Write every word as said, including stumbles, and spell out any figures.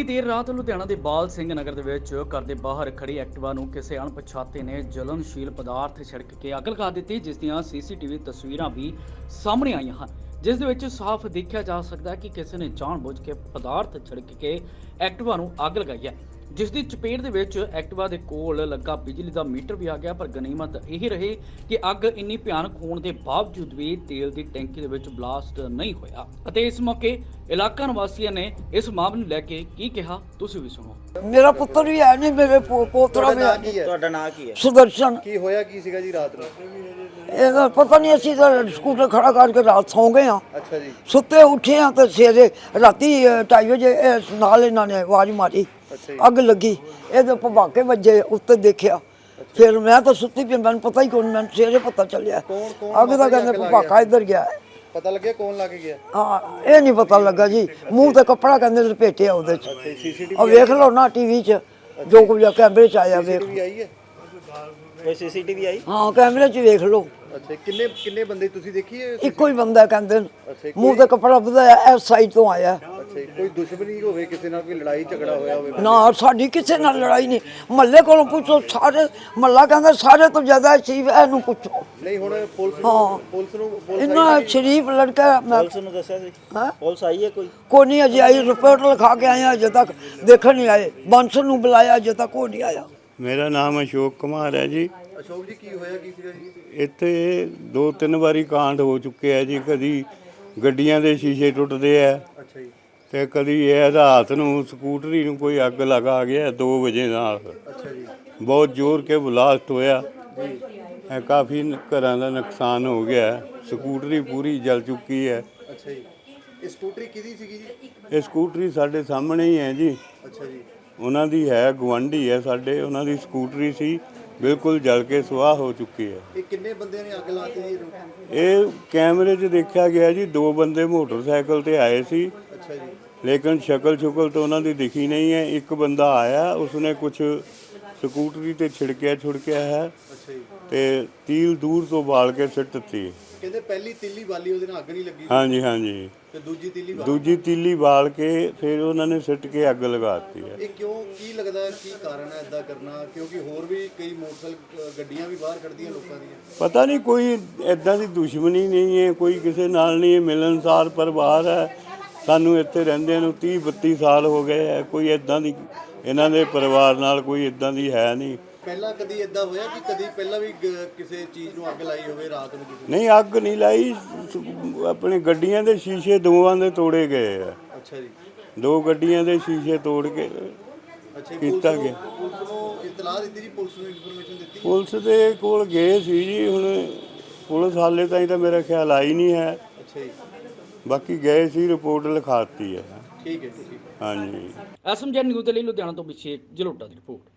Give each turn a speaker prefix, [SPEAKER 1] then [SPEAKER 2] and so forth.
[SPEAKER 1] ਬੀਤੀ ਦੇਰ ਰਾਤ ਲੁਧਿਆਣਾ ਦੇ ਬਾਲ ਸਿੰਘ ਨਗਰ ਦੇ ਵਿੱਚ ਘਰ ਦੇ ਬਾਹਰ ਖੜੀ ਐਕਟਿਵਾ ਨੂੰ ਕਿਸੇ ਅਣਪਛਾਤੇ ਨੇ ਜਲਨਸ਼ੀਲ ਪਦਾਰਥ ਛਿੜਕ ਕੇ ਅੱਗ ਲਗਾ ਦਿੱਤੀ, ਜਿਸ ਦੀਆਂ ਸੀਸੀਟੀਵੀ ਤਸਵੀਰਾਂ ਵੀ ਸਾਹਮਣੇ ਆਈਆਂ ਹਨ, ਜਿਸ ਦੇ ਵਿੱਚ ਸਾਫ਼ ਦੇਖਿਆ ਜਾ ਸਕਦਾ ਹੈ ਕਿ ਕਿਸੇ ਨੇ ਜਾਣਬੁੱਝ ਕੇ ਪਦਾਰਥ ਛਿੜਕ ਕੇ ਐਕਟਿਵਾ ਨੂੰ ਅੱਗ ਲਗਾਈ ਹੈ, ਜਿਸ ਦੀ ਚਪੇਟ ਦੇ ਵਿੱਚ ਐਕਟਿਵਾ ਦੇ ਕੋਲ ਲੱਗਾ ਬਿਜਲੀ ਦਾ ਮੀਟਰ ਵੀ ਆ ਗਿਆ। ਪਰ ਗਨੀਮਤ ਇਹ ਰਹੀ ਕਿ ਅੱਗ ਇੰਨੀ ਭਿਆਨਕ ਹੋਣ ਦੇ ਬਾਵਜੂਦ ਵੀ ਤੇਲ ਦੀ ਟੈਂਕੀ ਦੇ ਵਿੱਚ ਬਲਾਸਟ ਨਹੀਂ ਹੋਇਆ। ਅਤੇ ਇਸ ਮੌਕੇ ਇਲਾਕਾ ਨਿਵਾਸੀਆਂ ਨੇ ਇਸ ਮਾਮਲੇ ਨੂੰ ਲੈ ਕੇ ਕੀ ਕਿਹਾ, ਤੁਸੀਂ ਵੀ ਸੁਣੋ।
[SPEAKER 2] ਮੇਰਾ ਪੁੱਤਰ ਵੀ ਹੈ ਨਹੀਂ, ਮੇਰੇ ਪੋ- ਪੋਤਰਾ ਵੀ ਹੈ ਨਹੀਂ।
[SPEAKER 3] ਤੁਹਾਡਾ ਨਾਂ ਕੀ ਹੈ?
[SPEAKER 2] ਸੁਦਰਸ਼ਨ।
[SPEAKER 4] ਕੀ ਹੋਇਆ ਕੀ ਸੀਗਾ ਜੀ ਰਾਤ ਨੂੰ?
[SPEAKER 2] ਇਹਦਾ ਪਤਾ ਨਹੀਂ, ਅਸੀਂ ਤਾਂ ਸਕੂਟਰ ਖੜਾ ਕਰਕੇ ਰਾਤ ਸੌਂ ਗਏ ਹਾਂ।
[SPEAKER 4] ਅੱਛਾ ਜੀ।
[SPEAKER 2] ਸੁੱਤੇ ਉੱਠੇ ਹਾਂ ਤੇ ਸਵੇਰੇ ਰਾਤੀ ਢਾਈ ਵਜੇ ਇਹ ਨਾਲ ਇਹਨਾਂ ਨੇ ਆਵਾਜ਼ ਮਾਰੀ,
[SPEAKER 4] ਅੱਛਾ ਜੀ।
[SPEAKER 2] ਅੱਗ ਲੱਗੀ। ਇਹਦੇ ਭਵਾਕੇ ਵੱਜੇ, ਉੱਤੇ ਦੇਖਿਆ, ਫਿਰ ਮੈਂ ਤਾਂ ਸੁੱਤੀ ਪਈ, ਮੈਨੂੰ ਪਤਾ ਹੀ ਕੋਈ ਨਹੀਂ, ਮੈਨੂੰ ਸਵੇਰੇ ਪਤਾ ਚੱਲਿਆ
[SPEAKER 4] ਕੌਣ ਕੌਣ
[SPEAKER 2] ਅੱਗ ਦਾ। ਕਹਿੰਦੇ ਭਵਾਕਾ ਇੱਧਰ ਗਿਆ।
[SPEAKER 4] ਪਤਾ ਲੱਗਿਆ ਕੌਣ ਲੱਗ ਗਿਆ?
[SPEAKER 2] ਹਾਂ, ਇਹ ਨਹੀਂ ਪਤਾ ਲੱਗਾ ਜੀ। ਮੂੰਹ ਤੇ ਕੱਪੜਾ ਕਹਿੰਦੇ ਲਪੇਟਿਆ ਉਹਦੇ ਚ।
[SPEAKER 4] ਸੀਸੀਟੀਵੀ
[SPEAKER 2] ਆ ਵੇਖ ਲਓ ਨਾ ਟੀਵੀ 'ਚ ਜੋ ਕੁਝ ਕੈਮਰੇ 'ਚ ਆਇਆ, ਵੇਖ।
[SPEAKER 4] ਆਈ ਹੈ?
[SPEAKER 3] ਕੋਈ ਸੀਸੀਟੀਵੀ ਆਈ?
[SPEAKER 2] ਹਾਂ, ਕੈਮਰੇ 'ਚ ਵੇਖ ਲਓ।
[SPEAKER 4] ਅੱਛਾ, ਕਿੰਨੇ ਕਿੰਨੇ ਬੰਦੇ ਤੁਸੀਂ ਦੇਖੀ ਹੈ?
[SPEAKER 2] ਇੱਕੋ ਹੀ ਬੰਦਾ ਕਹਿੰਦੇ ਨੇ,
[SPEAKER 4] ਅੱਛਾ,
[SPEAKER 2] ਮੂੰਹ ਤੇ ਕੱਪੜਾ ਵਧਾਇਆ, ਇਸ ਸਾਈਡ ਤੋਂ ਆਇਆ।
[SPEAKER 4] ਅੱਛਾ, ਕੋਈ ਦੁਸ਼ਮਣੀ ਹੋਵੇ, ਕਿਸੇ ਨਾਲ ਕੋਈ ਲੜਾਈ ਝਗੜਾ ਹੋਇਆ ਹੋਵੇ?
[SPEAKER 2] ਨਾ, ਸਾਡੀ ਕਿਸੇ ਨਾਲ ਲੜਾਈ ਨਹੀਂ। ਮਹੱਲੇ ਕੋਲੋਂ ਪੁੱਛੋ, ਸਾਰੇ ਮਹੱਲਾ ਕਹਿੰਦਾ ਸਾਰੇ ਤੋਂ ਜ਼ਿਆਦਾ ਸ਼ਰੀਫ ਇਹਨੂੰ ਪੁੱਛੋ।
[SPEAKER 4] ਨਹੀਂ, ਹੁਣ ਪੁਲਿਸ
[SPEAKER 2] ਹਾਂ।
[SPEAKER 4] ਨੂੰ ਪੁਲਿਸ ਨੂੰ ਪੁਲਿਸ
[SPEAKER 2] ਇੰਨਾ ਸ਼ਰੀਫ ਲੜਕਾ। ਮੈਂ
[SPEAKER 3] ਪੁਲਿਸ ਨੂੰ ਦੱਸਿਆ ਸੀ?
[SPEAKER 2] ਹਾਂ,
[SPEAKER 3] ਪੁਲਿਸ ਆਈ ਹੈ ਕੋਈ?
[SPEAKER 2] ਕੋਈ ਨਹੀਂ ਅਜੇ ਆਈ। ਰਿਪੋਰਟ ਲਿਖਾ ਕੇ ਆਏ, ਅਜੇ ਤੱਕ ਦੇਖਣ ਨਹੀਂ ਆਏ। ਬਾਂਸਲ ਨੂੰ ਬੁਲਾਇਆ, ਅਜੇ ਤੱਕ ਉਹ ਨਹੀਂ ਆਇਆ।
[SPEAKER 5] ਮੇਰਾ ਨਾਮ ਅਸ਼ੋਕ ਕੁਮਾਰ ਹੈ ਜੀ।
[SPEAKER 4] ਅਸ਼ੋਕ ਜੀ, ਕੀ ਹੋਇਆ ਕੀ ਸੀਗਾ ਜੀ?
[SPEAKER 5] ਇੱਥੇ ਦੋ ਤਿੰਨ ਵਾਰੀ ਕਾਂਡ ਹੋ ਚੁੱਕੇ ਆ ਜੀ। ਕਦੀ ਗੱਡੀਆਂ ਦੇ ਸ਼ੀਸ਼ੇ ਟੁੱਟਦੇ ਆ
[SPEAKER 4] ਅੱਛਾ ਜੀ।
[SPEAKER 5] ਤੇ ਕਦੀ ਇਹ ਰਾਤ ਨੂੰ ਸਕੂਟਰੀ ਨੂੰ ਕੋਈ ਅੱਗ ਲਗਾ ਗਿਆ ਦੋ ਵਜੇ ਨਾਲ।
[SPEAKER 4] ਅੱਛਾ ਜੀ।
[SPEAKER 5] ਬਹੁਤ ਜ਼ੋਰ ਕੇ ਬਲਾਸਟ ਹੋਇਆ ਜੀ। ਇਹ ਕਾਫੀ ਘਰਾਂ ਦਾ ਨੁਕਸਾਨ ਹੋ ਗਿਆ। ਸਕੂਟਰੀ ਪੂਰੀ ਜਲ ਚੁੱਕੀ ਹੈ।
[SPEAKER 4] ਅੱਛਾ ਜੀ। ਇਹ ਸਕੂਟਰੀ ਕਿਹਦੀ ਸੀਗੀ ਜੀ?
[SPEAKER 5] ਇਹ ਸਕੂਟਰੀ ਸਾਡੇ ਸਾਹਮਣੇ ਹੀ ਹੈ ਜੀ।
[SPEAKER 4] ਅੱਛਾ ਜੀ।
[SPEAKER 5] ਉਹਨਾਂ ਦੀ ਹੈ, ਗੁਆਂਢੀ ਹੈ ਸਾਡੇ, ਉਹਨਾਂ ਦੀ ਸਕੂਟਰੀ ਸੀ, ਬਿਲਕੁਲ ਜਲ ਕੇ ਸੁਆਹ ਹੋ ਚੁੱਕੀ ਹੈ।
[SPEAKER 4] ਇਹ ਕਿੰਨੇ ਬੰਦਿਆਂ ਨੇ ਅੱਗ ਲਾਤੀ ਜੀ?
[SPEAKER 5] ਇਹ ਕੈਮਰੇ 'ਚ ਦੇਖਿਆ ਗਿਆ ਜੀ, ਦੋ ਬੰਦੇ ਮੋਟਰਸਾਈਕਲ ਤੇ ਆਏ ਸੀ,
[SPEAKER 4] ਅੱਛਾ ਜੀ।
[SPEAKER 5] ਲੇਕਿਨ ਸ਼ਕਲ ਸ਼ੁਕਲ ਤਾਂ ਉਹਨਾਂ ਦੀ ਦਿਖੀ ਨਹੀਂ ਹੈ। ਇੱਕ ਬੰਦਾ ਆਇਆ, ਉਸਨੇ ਕੁਝ ਸਕੂਟਰੀ ਤੇ ਛਿੜਕਿਆ ਛੁੜਕਿਆ ਹੈ
[SPEAKER 4] ਅੱਛਾ ਜੀ।
[SPEAKER 5] ਤੇ ਤੀਲ ਦੂਰ ਤੋਂ ਬਾਲ ਕੇ ਸਿੱਟ ਦਿੱਤੀ।
[SPEAKER 4] ਕਹਿੰਦੇ ਪਹਿਲੀ ਤੀਲੀ ਵਾਲੀ ਉਹਦੇ ਨਾਲ ਅੱਗ ਨਹੀਂ ਲੱਗੀ
[SPEAKER 5] ਹਾਂਜੀ ਹਾਂਜੀ।
[SPEAKER 4] ਤੇ ਦੂਜੀ ਤੀਲੀ ਵਾਲੀ?
[SPEAKER 5] ਦੂਜੀ ਤੀਲੀ ਬਾਲ ਕੇ ਫਿਰ ਉਹਨਾਂ ਨੇ ਸਿੱਟ ਕੇ ਅੱਗ ਲਗਾ ਦਿੱਤੀ ਹੈ।
[SPEAKER 4] ਇਹ ਕਿਉਂ, ਕੀ ਲੱਗਦਾ ਹੈ, ਕੀ ਕਾਰਨ ਹੈ ਇਦਾਂ ਕਰਨਾ? ਕਿਉਂਕਿ ਹੋਰ ਵੀ ਕਈ ਮੋਟਰਸਾਈਕਲ ਅ, ਗੱਡੀਆਂ ਵੀ ਬਾਹਰ ਕੱਢਦੀਆਂ ਲੋਕਾਂ ਦੀਆਂ।
[SPEAKER 5] ਪਤਾ ਨਹੀਂ, ਕੋਈ ਐਦਾਂ ਦੀ ਦੁਸ਼ਮਣੀ ਨਹੀਂ ਹੈ, ਕੋਈ ਕਿਸੇ ਨਾਲ ਨਹੀਂ ਹੈ, ਮਿਲਣਸਾਰ ਪਰਿਵਾਰ ਹੈ। ਸਾਨੂੰ ਇੱਥੇ ਰਹਿੰਦਿਆਂ ਨੂੰ ਤੀਹ ਬੱਤੀ ਸਾਲ ਹੋ ਗਏ ਹੈ। ਕੋਈ ਐਦਾਂ ਦੀ ਇਹਨਾਂ ਦੇ ਪਰਿਵਾਰ ਨਾਲ ਕੋਈ ਇੱਦਾਂ ਦੀ ਹੈ ਨਹੀਂ।
[SPEAKER 4] ਪਹਿਲਾਂ ਕਦੀ ਇਦਾਂ ਹੋਇਆ ਕਿ ਕਦੀ ਪਹਿਲਾਂ ਵੀ ਗ- ਕਿਸੇ ਚੀਜ਼ ਨੂੰ ਅੱਗ ਲਾਈ ਹੋਵੇ ਰਾਤ ਨੂੰ ਕਿਸੇ ਨੇ?
[SPEAKER 5] ਨਹੀਂ, ਅੱਗ ਨਹੀਂ ਲਾਈ। ਸ- ਆਪਣੇ ਗੱਡੀਆਂ ਦੇ ਸ਼ੀਸ਼ੇ ਦੋਵਾਂ ਦੇ ਤੋੜੇ ਗਏ ਆ।
[SPEAKER 4] ਅੱਛਾ ਜੀ।
[SPEAKER 5] ਦੋ ਗੱਡੀਆਂ ਦੇ ਸ਼ੀਸ਼ੇ ਤੋੜ ਕੇ
[SPEAKER 4] ਅੱਛਾ ਜੀ,
[SPEAKER 5] ਕੀਤਾ
[SPEAKER 4] ਪੁਲਿਸ
[SPEAKER 5] ਗਿਆ।
[SPEAKER 4] ਨੂੰ ਪੁਲਿਸ ਨੂੰ ਇਤਲਾਹ ਦਿੱਤੀ ਜੀ? ਪੁਲਿਸ ਨੂੰ ਇਨਫੋਰਮੇਸ਼ਨ ਦਿੱਤੀ?
[SPEAKER 5] ਪੁਲਿਸ ਦੇ ਕੋਲ ਗਏ ਸੀ ਜੀ। ਹੁਣ ਪੁਲਿਸ ਹਾਲੇ ਤਾਈਂ ਤਾਂ ਮੇਰਾ ਖਿਆਲ ਆਈ ਨਹੀਂ ਹੈ।
[SPEAKER 4] ਅੱਛਾ ਜੀ।
[SPEAKER 5] ਬਾਕੀ ਗਏ ਸੀ, ਰਿਪੋਰਟ ਲਿਖਾਤੀ ਹੈ।
[SPEAKER 4] ਠੀਕ ਹੈ ਜੀ, ਠੀਕ ਹੈ।
[SPEAKER 5] ਹਾਂਜੀ।
[SPEAKER 1] ਐਸਐਮਜੀ ਨਿਊਜ਼ ਦੇ ਲਈ ਲੁਧਿਆਣਾ ਤੋਂ ਅਭਿਸ਼ੇਕ ਜਲੋਟਾ ਦੀ ਰਿਪੋਰਟ।